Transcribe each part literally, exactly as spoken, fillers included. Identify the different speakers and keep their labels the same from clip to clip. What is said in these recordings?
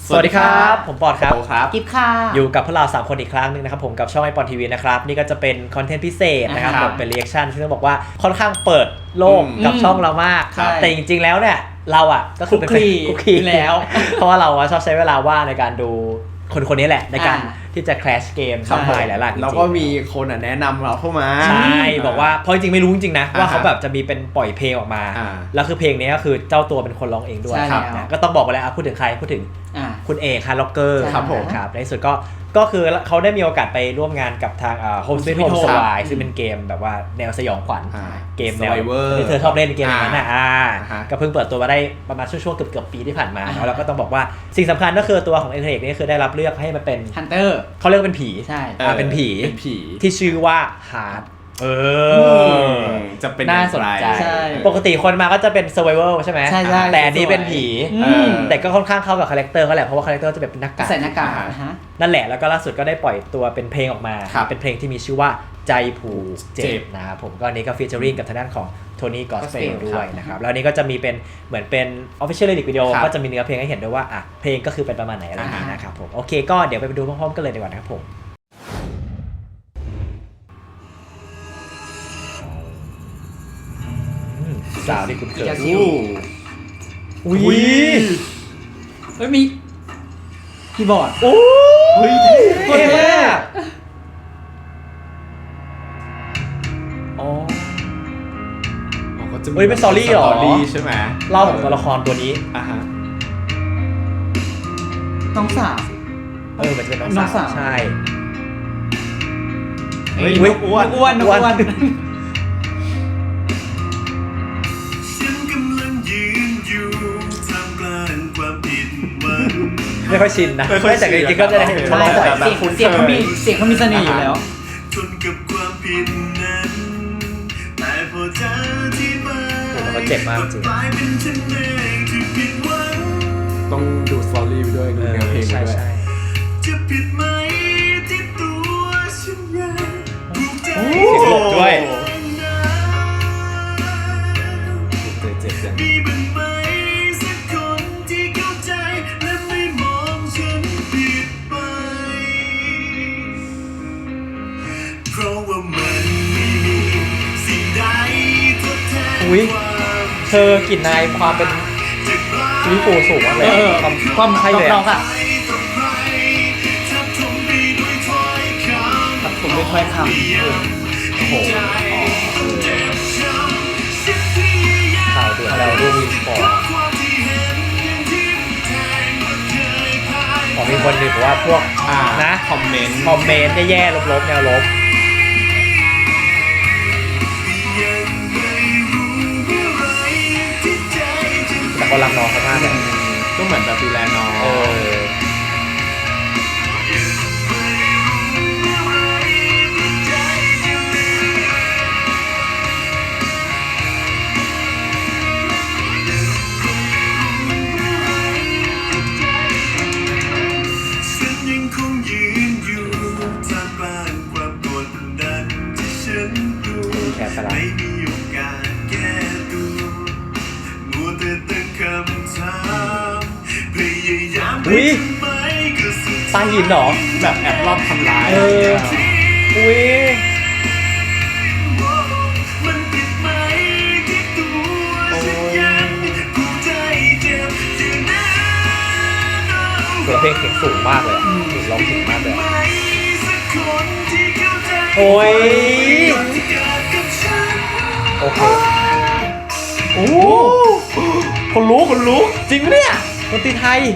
Speaker 1: สวัสดีครับผมปอดครับ
Speaker 2: กิฟค่ะ
Speaker 1: อยู่กับพวกเราสามคนอีกครั้งนึงนะครับผมกับช่องไอปอนทีวีนะครับนี่ก็จะเป็นคอนเทนต์พิเศษนะครับผมเป็นรีแอคชั่นซึ่งต้องบอกว่าค่อนข้างเปิดโลกกับช่องเรามากแต่จริงๆแล้วเนี่ยเราอ่ะก็คือเป็นคุกคีแล้วเพราะว่าเราชอบใช้เวลาว่างในการดูคนคนนี้แหละในการที่จะแคสเกมทำลายหลายๆ
Speaker 3: แล้วก็มีคนแนะนำเราเข้ามา
Speaker 1: ใช่บอกว่าเพราะจริงๆไม่รู้จริงๆนะว่าเขาแบบจะมีเป็นปล่อยเพลงออกมาแล้วคือเพลงนี้ก็คือเจ้าตัวเป็นคนร้องเองด้วยก็ต้องบอกไปแล้วพูดถึงใครพูดถึงคุณเอกฮาร์ล็อกเกอร์
Speaker 3: ครับผม
Speaker 1: ครับในสุดก็ก็คือเขาได้มีโอกาสไปร่วมงานกับทางโฮมสวีทโฮมสวายซึ่งเป็นเกมแบบว่าแนวสยองขวัญเกมแนวที่เธอชอบเล่นเกมอย่างนั้นอ่ะก็เพิ่งเปิดตัวมาได้ประมาณช่วงๆเกือบๆปีที่ผ่านมาแล้วก็ต้องบอกว่าสิ่งสำคัญก็คือตัวของเอกนี่คือได้รับเลือกให้มาเป็น
Speaker 2: ฮันเตอร์
Speaker 1: เขาเรียกเป็นผี
Speaker 2: ใช่
Speaker 1: เป็นผีที่ชื่อว่าฮาร์ดเออ
Speaker 3: จะเป็น
Speaker 2: น่าสนใจ
Speaker 1: ปกติคนมาก็จะเป็น survival ใช่ไหม
Speaker 2: ใช่ใช่
Speaker 1: แต่อันนี้เป็นผีแต่ก็ค่อนข้างเข้ากับคาแรคเตอร์เขาแหละเพราะว่าคาแรคเตอร์จะแบบเป็นหน้ากาก
Speaker 2: ใส่หน้ากาก
Speaker 1: นั่นแหละแล้วก็ล่าสุดก็ได้ปล่อยตัวเป็นเพลงออกมาเป็นเพลงที่มีชื่อว่าใจผูกเจ็บนะครับผมก็อันนี้ก็ฟีเจอริ่งกับทางด้านของโทนี่กอสเปลด้วยนะครับแล้วนี้ก็จะมีเป็นเหมือนเป็น official lyric video ก็จะมีเนื้อเพลงให้เห็นด้วยว่าอ่ะเพลงก็คือเป็นประมาณไหนอะไรอย่างนี้นะครับผมโอเคก็เดี๋ยวไปดูพร้อมๆกันเลยดีกว่านะครับผมสาวที่คุณเคย
Speaker 2: อู้
Speaker 1: อุ้ย
Speaker 2: เฮ้ยมีคีย์บอร์ด
Speaker 1: โอ้เฮ้ยเท่มากอ๋อเฮ้ยเป็นสตอรี่เหรอ
Speaker 3: ใช่ไหม
Speaker 1: เล่าของตัวละครตัวนี้
Speaker 3: อ่ะฮะ
Speaker 2: น้องสาว
Speaker 1: เออมันจะเป็นน้องสาวใช่
Speaker 3: เฮ้ยอ้วน
Speaker 2: อ้วนอ้วน
Speaker 1: ไม่ค่อยชินนะแต่จริงๆก็จะได้เห็น
Speaker 2: ใช่เสียงเสียงเขามีเสียงเขามีเสน่ห์อยู่แล้ว
Speaker 1: โอ้มันเจ็บมากจริง
Speaker 3: ต้องดูสตอรี่ไปด้วยดูเนื้อเพลงไปด้วย
Speaker 1: จะผิดไหมที่ตัวฉันยังถูกใจเสียงหลบด้วย
Speaker 3: เจ็บจัง
Speaker 1: อุ้ยเธอกลิ่นนายความเป็นซีฟูสูงมากเลย
Speaker 2: ความความใครเลยอ่ะทับผมด้วยถ้อยคำ
Speaker 1: โอ้โหข่าวเดือดแล้วรูปวินฟอร์ขอมีคนหนึ่งบอกว่าพวกนะ
Speaker 3: คอมเมนต์
Speaker 1: คอมเมนต์แย่ๆลบๆแนวลบแต่ก็รักน้องเขามากเลย
Speaker 3: ก็เหมือนแบบดูแลน้อง
Speaker 1: ไม่มีโอ
Speaker 3: กาสแก้ตัวมัวแต่ตั้งคำถามพยายามไปทำไมก็สุด
Speaker 1: ตาหินหรอ
Speaker 3: แบบแอบรอบทำร้าย
Speaker 1: อุ้ย
Speaker 3: มันผิดไหมที่ตัวฉันยังกูใจเจ็บอยู่นะ
Speaker 1: ตัวเพลงเสียงสูงมากเลยร้องถึงมากเลยโอ้ยโอเคโอ้คนรู้คนรู้จริงไหมเนี่ยดนตรีไทย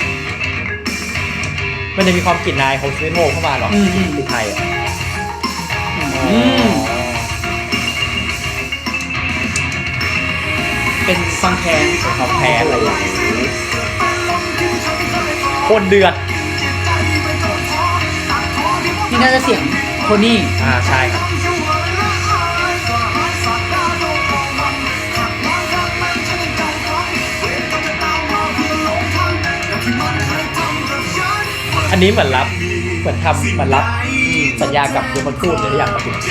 Speaker 1: มันจะมีความกลิ่นนายของสวีทโฮมเข้ามาหรอดนตรีไทยอ่ะ
Speaker 2: เป็นฟังแคน
Speaker 1: เป็นความแพ้อะไรอย่างนี้โคตรเดือด
Speaker 2: นี่น่าจะเสียงโทนี่
Speaker 1: อ่าใช่ครับอันนี้เหมือนรับเหมือนทำเหมือนรับสัญญากับยูมันพูดเลยที่อยากมาถึง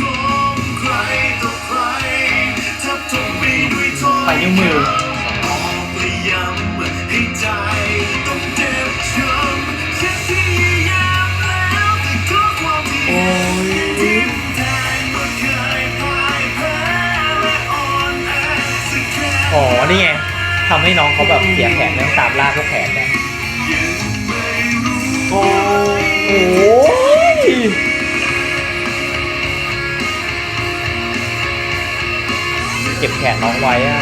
Speaker 2: ไปนิ้วมือ
Speaker 1: นี่ไงทำให้น้องเขาแบบเสียแขนเรื่องตามล่าพวกแขนเนี่ยโอ้โหเก็บแขนน้องไว้อ่ะ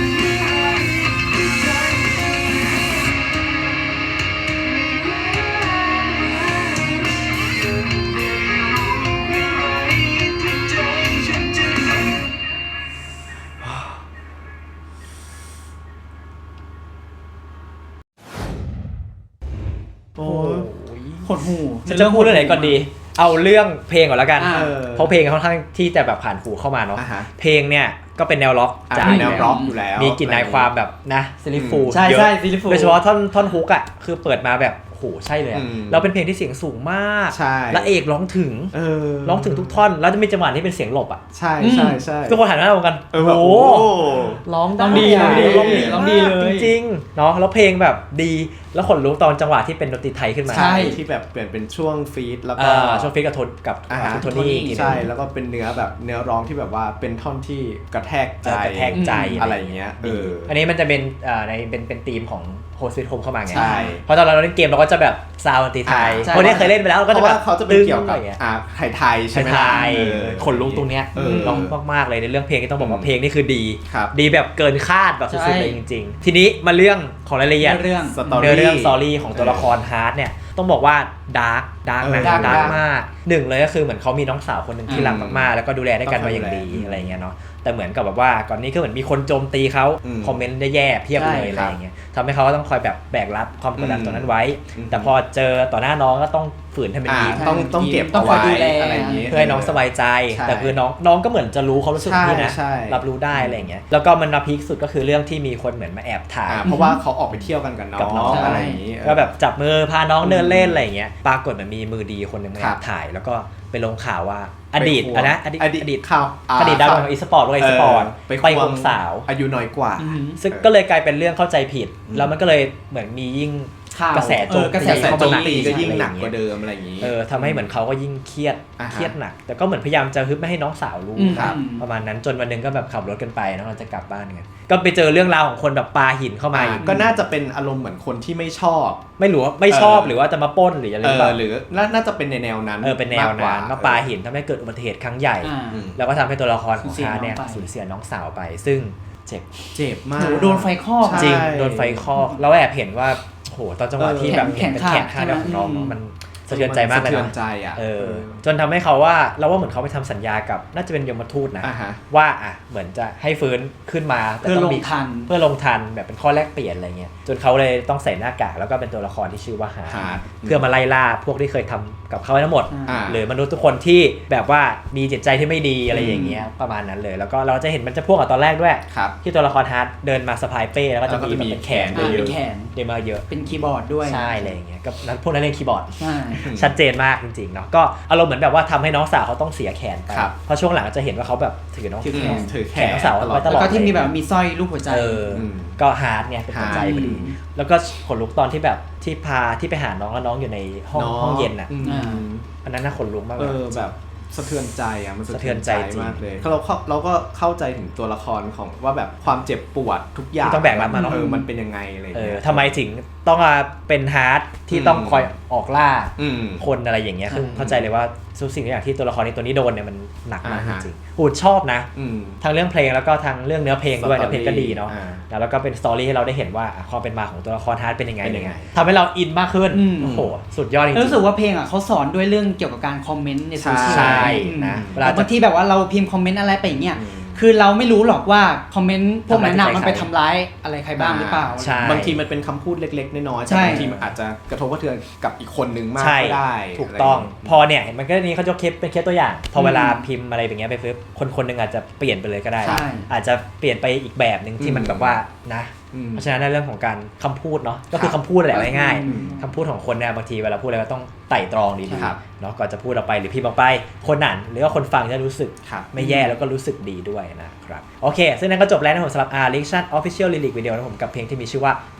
Speaker 1: โอ้ย
Speaker 2: หดหู
Speaker 1: ฉันจะพูดเรื่องไหนก่อนดีเอาเรื่องเพลงก่อนแล้วกัน
Speaker 2: อ่า
Speaker 1: เพราะเพลงค่อนข้างที่จะแบบผ่านหูเข้ามาเนาะ
Speaker 4: อ่าฮะ
Speaker 1: เพลงเนี่ยก็เป็นแนวล็อก
Speaker 4: อ่ะ
Speaker 1: จ๋า
Speaker 4: เป็นแนวร็อกอยู่แล้ว
Speaker 1: มีกลิ่นอายความแบบนะซิลิฟู
Speaker 2: ใช่
Speaker 1: เยอะ
Speaker 2: ใช่ซิลิฟู
Speaker 1: โดยเฉพาะท่อนท่อนฮุกอ่ะคือเปิดมาแบบโหใช่เลยอะ
Speaker 4: อืม
Speaker 1: เราเป็นเพลงที่เสียงสูงมาก
Speaker 4: ใช่
Speaker 1: และเอกร้องถึง
Speaker 4: เออ
Speaker 1: ร้องถึงทุกท่อนแล้วจะมีจังหวะที่เป็นเสียงหลบอ่ะ
Speaker 4: ใช่ใช่ใช่
Speaker 1: ทุกคนหันหน้ามองกัน
Speaker 4: เออแบบ
Speaker 1: โอ้
Speaker 4: โอ้
Speaker 1: ร้อง
Speaker 2: ร้องดี
Speaker 1: ะ
Speaker 2: ร้องดี
Speaker 1: ร้องดี
Speaker 2: ร้องดี
Speaker 1: มาก
Speaker 2: เลย
Speaker 1: จริงๆเนาะแล้วเพลงแบบดีแล้วขนลุกตอนจังหวะที่เป็นดนตรีไทยขึ้นมา
Speaker 2: ใช่
Speaker 4: ที่แบบเปลี่ยนเป็นช่วงฟีดแล้วก็
Speaker 1: อ่าช่วงฟิกกับโทนกับ
Speaker 4: อ่าฮะ
Speaker 1: คุณโทนี่อีกทีหนึ่ง
Speaker 4: ใช่แล้วก็เป็นเนื้อแบบเนื้อร้องที่แบบว่าเป็นท่อนที่กระแทกใจ
Speaker 1: เออกระแทกใจ
Speaker 4: อะไรอย่างเงี้ยเออ
Speaker 1: อันนี้มันจะเป็นอ่าในเป็นเป็นธีมของโฮสต์ฟิตโฮมเข้ามาไง
Speaker 4: ใช่
Speaker 1: เพราะตอนเราเล่นเกมเราก็จะแบบซาวด์ดนตรีไทย
Speaker 4: อ่าใช่
Speaker 1: คนนี้เคยเล่นไปแล้วเรา
Speaker 4: เพ
Speaker 1: ก็จะ
Speaker 4: ราะ
Speaker 1: แบ
Speaker 4: ว่า
Speaker 1: บ
Speaker 4: เขาจะเป็นเกี่ยวกับ
Speaker 1: ตึ้งอะไรงี้
Speaker 4: อ่าไทยไทยๆใช่ไหม
Speaker 1: ไทย
Speaker 4: เออ
Speaker 1: ขนลุกตรงเนี้ย
Speaker 4: เออ
Speaker 1: ร้องมากๆเลยในเรื่องเพลงที่ต้องบอกว่าเพลงนี่คือดี
Speaker 4: ครับ
Speaker 1: ดีแบบเกินคาดแบบสุดๆ
Speaker 2: ใช่
Speaker 1: เลยจริงๆ ทีนี้มาเรื่องของรายละเอียด
Speaker 2: เรื่อง
Speaker 4: สตอ
Speaker 1: เนื้อ
Speaker 4: รี่
Speaker 1: เรื่องสตอรี่ของตัวละครฮาร์ดเนี่ยต้องบอกว่าดาร์กดาร์กนะ
Speaker 4: เออ
Speaker 1: ดาร์ก
Speaker 2: dark
Speaker 1: มากหนึ่งเลยก็คือเหมือนเขามีน้องสาวคนหนึ่งที่
Speaker 2: อืม
Speaker 1: รักมากๆแล้วก็ดูแลได้กันมาอย่างดีอะไรเงี้ยเนาะแต่เหมือนกับแบบว่าก่อนนี้ก็เหมือนมีคนโจมตีเขา
Speaker 4: อืม
Speaker 1: คอมเมนต์แย่ๆเพียบเลย
Speaker 4: ใช่
Speaker 1: อะไร
Speaker 4: ครับ
Speaker 1: อย่างเงี้ยทำให้เขาก็ต้องคอยแบบแบกรับความกดดัน
Speaker 4: อืม
Speaker 1: ตรงนั้นไว้
Speaker 4: อืม
Speaker 1: แต่พอเจอต่อหน้าน้องก็ต้องฝืนทำเป็น
Speaker 4: อ่า
Speaker 1: ดี
Speaker 4: ต้องต้องเก็บ
Speaker 2: ต้อง
Speaker 4: เอา
Speaker 2: คอย
Speaker 4: ไว้
Speaker 2: ดูแล
Speaker 4: อะไรอย่างงี้
Speaker 1: เพื่อให้น้องสบายใจ
Speaker 4: ใช่
Speaker 1: แต่คือน้องน้องก็เหมือนจะรู้เขารู้สึก
Speaker 4: ใช่
Speaker 1: พี่นะ
Speaker 4: ใช่
Speaker 1: รับรู้ได้อะไรอย่างเงี้ยแล้วก็มันมาพีคสุดก็คือเรื่องที่มีคนเหมือนมาแอบถ่าย
Speaker 4: อ่าเพราะว่าเขาออกไปเที่ยวกันกับน้
Speaker 1: กับน้
Speaker 4: อ
Speaker 1: อง
Speaker 4: งอะไรอย่างงี้
Speaker 1: ก็แบบจับมือพาน้องเดินเล่นอะไรอย่างเงี้ยปรากฏมันมีมือดีคนหนึ่งมา
Speaker 4: ค
Speaker 1: แอ
Speaker 4: รับบ
Speaker 1: ถ่ายแล้วก็ไปลงข่าวว่าอดีต
Speaker 4: ไปควง
Speaker 1: อะนะอดีต
Speaker 4: อดีต
Speaker 1: อดีต
Speaker 4: ข่าวอ่า
Speaker 1: อดีตดาวของอีสปอร์ตวงอีสปอร์ต
Speaker 4: ไป
Speaker 1: ไป
Speaker 4: คว
Speaker 1: ควงสาว
Speaker 4: อายุน้อยกว่า
Speaker 2: อืม
Speaker 1: ซึ่งก็เลยกลายเป็นเรื่องเข้าใจผิด
Speaker 4: อืม
Speaker 1: แล้วมันก็เลยเหมือนมียิ่ง
Speaker 2: ข่าว
Speaker 1: กระแสโจม
Speaker 2: เออกระแส
Speaker 1: ตี
Speaker 4: แต่
Speaker 1: เข้า
Speaker 4: โจ
Speaker 1: มาม หนัก
Speaker 4: ตีก็ยิ่ง
Speaker 1: อะไรอ
Speaker 4: หนัก
Speaker 1: ย่าง
Speaker 4: ก
Speaker 1: เงี้
Speaker 4: ว่าย เดิมอะไรอย่างงี้
Speaker 1: เออทำให้เหมือนเขาก็ยิ่งเครียด
Speaker 4: อ่าฮะ
Speaker 1: เครียดหนัก แต่ก็เหมือนพยายามจะฮึบไม่ให้น้องสาวรู้
Speaker 2: อืม
Speaker 1: ครับ
Speaker 2: อืม
Speaker 1: ประมาณนั้นจนวันหนึงก็แบบขับรถกันไปแล้วเราจะกลับบ้านกันก็ไปเจอเรื่องราวของคนแบบปาหินเข้ามา
Speaker 4: อ่า
Speaker 1: อีก
Speaker 4: ก็น่าจะเป็นอารมณ์เหมือนคนที่ไม่ชอบ
Speaker 1: ไม่รู้ว่าไม่ชอบ
Speaker 4: เออ
Speaker 1: หรือว่าจะมาปล้นหรืออะไร
Speaker 4: เอ
Speaker 1: หรือเป
Speaker 4: อ
Speaker 1: ล่า
Speaker 4: หรือน่าน่าจะเป็นในแนวนั้น
Speaker 1: เออเป็นแนว
Speaker 4: มกก
Speaker 1: นั้นมาปาหินทำให้เกิดอุบัติเหตุครั้งใหญ่
Speaker 2: อ่า
Speaker 4: อืม
Speaker 1: แล้วก็ทำให้ตัวละครของ
Speaker 2: สูญเสีย
Speaker 1: ชาเนี่ย
Speaker 2: น้องไป
Speaker 1: สูญเสียน้องสาวไป ซึ่งเจ็บ
Speaker 4: เจ็บมาก
Speaker 2: โหโดนไฟคลอก
Speaker 4: ใช่
Speaker 1: จริงโดนไฟคลอกเราแอบเห็นว่าโหตอนจังหวะ
Speaker 4: เออ
Speaker 1: ที่แบบ
Speaker 2: แข
Speaker 1: เห็น
Speaker 2: น
Speaker 1: เป็น
Speaker 2: ขาด
Speaker 1: แขนขาด
Speaker 2: ใช่ไหม
Speaker 1: ของน้อง
Speaker 2: อืม
Speaker 1: มันสะเทือนใจมากเลย
Speaker 4: สะเทือน
Speaker 1: นะ
Speaker 4: ใจอ่ะ
Speaker 1: เออจนทำให้เขาว่าเราว่าเหมือนเขาไปทำสัญญากับน่าจะเป็นยมทูตนะ
Speaker 4: อ่าฮะ
Speaker 1: ว่าอ่ะเหมือนจะให้ฟื้นขึ้นมาแต่
Speaker 2: เพื่อ
Speaker 1: ต้
Speaker 2: ล
Speaker 1: อง
Speaker 2: ง
Speaker 1: มี
Speaker 2: ทัน
Speaker 1: เพื่อลงทันแบบเป็นข้อแลกเปลี่ยนอะไรเงี้ยจนเขาเลยต้องใส่หน้ากากแล้วก็เป็นตัวละครที่ชื่อว่าฮาร์
Speaker 4: ฮาร์ด
Speaker 1: เพื่อมาไล่ล่าพวกที่เคยทำกับเขาไว้ทั้งหมด
Speaker 4: อ่า
Speaker 1: หรือมนุษย์ทุกคนที่แบบว่ามีจิตใจที่ไม่ดีอะไรอย่างเงี้ยประมาณนั้นเลย แล้วก็เราจะเห็นมันจะพ่วงกับตอนแรกด้วย
Speaker 4: ครับ
Speaker 1: ที่ตัวละครฮาร์ดเดินมาสะพายเป้แล้วก็จะ
Speaker 4: แล้วก็
Speaker 1: มี
Speaker 4: จะ
Speaker 1: แบบ
Speaker 4: มี
Speaker 1: เป็นแขน
Speaker 4: แขน
Speaker 2: อ่า
Speaker 1: เย
Speaker 2: เป็
Speaker 1: อะ
Speaker 2: นแขน
Speaker 1: ๆเดินมาเยอะ
Speaker 2: เป็นคีย์บอร์ดด้วย
Speaker 1: ใช่อะไรอย่างเงี้ยก็นั้นพวกนั้นเล่นคีย์บอร์ด
Speaker 2: ใช่
Speaker 1: ชัดเจนมากจริงๆเนาะก็อารมณ์เหมือนแบบว่าทำให้น้องสาวเขาต้องเสียแขนไป
Speaker 4: ครับ
Speaker 1: เพราะช่วงหลังจะเห็นว่าเขาแบบถือน้อง
Speaker 2: ถือ
Speaker 4: อื
Speaker 2: แข
Speaker 4: ม
Speaker 2: น
Speaker 4: ถือแข
Speaker 1: แขน
Speaker 4: น
Speaker 1: น้องสาว
Speaker 4: ตลอ
Speaker 1: ไว้
Speaker 4: ด
Speaker 1: ตล
Speaker 2: แล้
Speaker 1: อด
Speaker 2: วก็ที่มีแบบมีสร้อยรูปหัวใจ
Speaker 1: เออ
Speaker 4: อืม
Speaker 1: ก็ฮาร์ดเนี่ยเป็นหัวใจพอดี
Speaker 2: อืม
Speaker 1: แล้วก็ขนลุกตอนที่แบบที่พาที่ไปหาน้องแล้วน้องอยู่ในห้อง
Speaker 4: น้
Speaker 1: ห้องเย็นอ่ะ
Speaker 4: อืม
Speaker 2: อ่า
Speaker 1: อันนั้นน่าขนลุกมาก
Speaker 4: เอ
Speaker 1: เลย
Speaker 4: อแบบสะเทือนใจอ่ะมัน
Speaker 1: สะเทือนใจจริง
Speaker 4: มากเลยเราเข้าเราก็เข้าใจถึงตัวละครของว่าแบบความเจ็บปวดทุกอย่าง
Speaker 1: ที่ต้องแบกรับมาเนอะ
Speaker 4: เออมันเป็นยังไงอะไรอย่าง
Speaker 1: เออ
Speaker 4: เงี้ย
Speaker 1: ทำไมถึงต้องมาเป็นฮาร์ดที่ต้อง
Speaker 4: อืม
Speaker 1: คอยออกล่า
Speaker 4: อืม
Speaker 1: คนอะไรอย่างเงี้ยคือ
Speaker 4: อืม
Speaker 1: เข้าใจเลยว่าทุกสิ่งทุกอย่างที่ตัวละครในตัวนี้โดนเนี่ยมันหนักมากจ
Speaker 4: อ่าฮะ
Speaker 1: ริงๆหูดชอบนะ
Speaker 4: อืม
Speaker 1: ทั้งเรื่องเพลงแล้วก็ทั้งเรื่องเนื้อเพลงด้วย
Speaker 4: สตอรี่
Speaker 1: เนื้อเพลงก็ดีเนาะ
Speaker 4: อ่า
Speaker 1: แล้วก็เป็นสตอรี่ให้เราได้เห็นว่าอ่ะความเป็นมาของตัวละครฮาร์ดเป็นยังไง
Speaker 4: เป็นยังไง
Speaker 1: ทำให้เราอินมากขึ้น
Speaker 2: อืม
Speaker 1: โอ้โหสุดยอดจริงๆ
Speaker 2: รู้สึกว่าเพลงอ่ะเขาสอนด้วยเรื่องเกี่ยวกับการคอมเมนต์ในโซเชียล
Speaker 1: ใช่
Speaker 2: อืม
Speaker 1: นะเวลา
Speaker 2: แต่บางทีแบบว่าเราพิมพ์คอมเมนต์อะไรไปอย่างเงี้ย
Speaker 4: อืม
Speaker 2: คือเราไม่รู้หรอกว่าคอมเมนต์พวกนั้นน่ะ
Speaker 1: ทำร้าย
Speaker 2: มันไป
Speaker 1: ใคร
Speaker 2: ทำร้ายอะไรใครบ้างหรือเปล่า
Speaker 1: ใช่
Speaker 4: บางทีมันเป็นคำพูดเล็กๆน้อยๆ
Speaker 2: ใช่
Speaker 4: แต่บางทีมันอาจจะกระทบกระเทือนกับอีกคนนึงมาก
Speaker 1: ใช่
Speaker 4: ก็ได้
Speaker 1: ถูกต้อง
Speaker 4: ะไรย่าเย
Speaker 1: พอเนี่ยเห็นมันก็นี้เขาจะเคสเป็นเคสตัวอย่าง พอเวลาพิมพ์อะไรแบบเงี้ยไปปุ๊บคนคนหนึงอาจจะเปลี่ยนไปเลยก็ได้
Speaker 2: ใช่
Speaker 1: อาจจะเปลี่ยนไปอีกแบบหนึ่งที่มัน
Speaker 4: อืม
Speaker 1: แบบว่านะ
Speaker 4: อืม
Speaker 1: เพราะฉะนั้นในเรื่องของการคำพูดเนาะก็คือ
Speaker 4: ครับ
Speaker 1: คำพูดแหละง่าย
Speaker 4: อืม
Speaker 1: ๆคำพูดของคนเนี่ยบางทีเวลาพูดอะไรก็ต้องไต่ตรองดี
Speaker 4: ครับ
Speaker 1: ๆเนาะก่อนจะพูดออกไปหรือพิมพ์ออกไปคนอ่านหรือว่าคนฟังจะรู้สึก
Speaker 4: ครับ
Speaker 1: ไม่แย่แล้วก็รู้สึกดีด้วยนะครับโอเค ซึ่งนั่นก็จบแล้วนะผมสำหรับ R Reaction Official Lyric Video นะผมกับเพลงที่มีชื่อว่า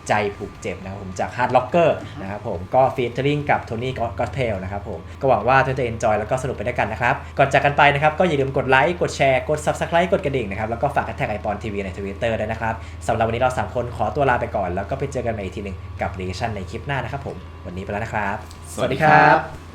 Speaker 1: ใจผูกเจ็บนะครับผมจาก Hard Locker นะครับผมก็ฟีเจอริ่งกับโทนี่ก็อตเพลนะครับผมก็หวังว่าทุกท่านจะ enjoy แล้วก็สนุกไปด้วยกันนะครับก่อนจากกันไปนะครับก็อย่าลืมกดไลค์กดแชร์กด Subscribe กดกระดิ่งนะครับแล้วก็ฝากแท็กไอปอนทีวีใน Twitter ด้วยนะครับสำหรับวันนี้เราสามคนขอตัวลาไปก่อนแล้วก็ไปเจอกันใหม่อีกทีหนึ่งกับ Reaction ในคลิปหน้านะครับผมวันนี้ไปแล้วนะครับ
Speaker 4: สวัสดีครับ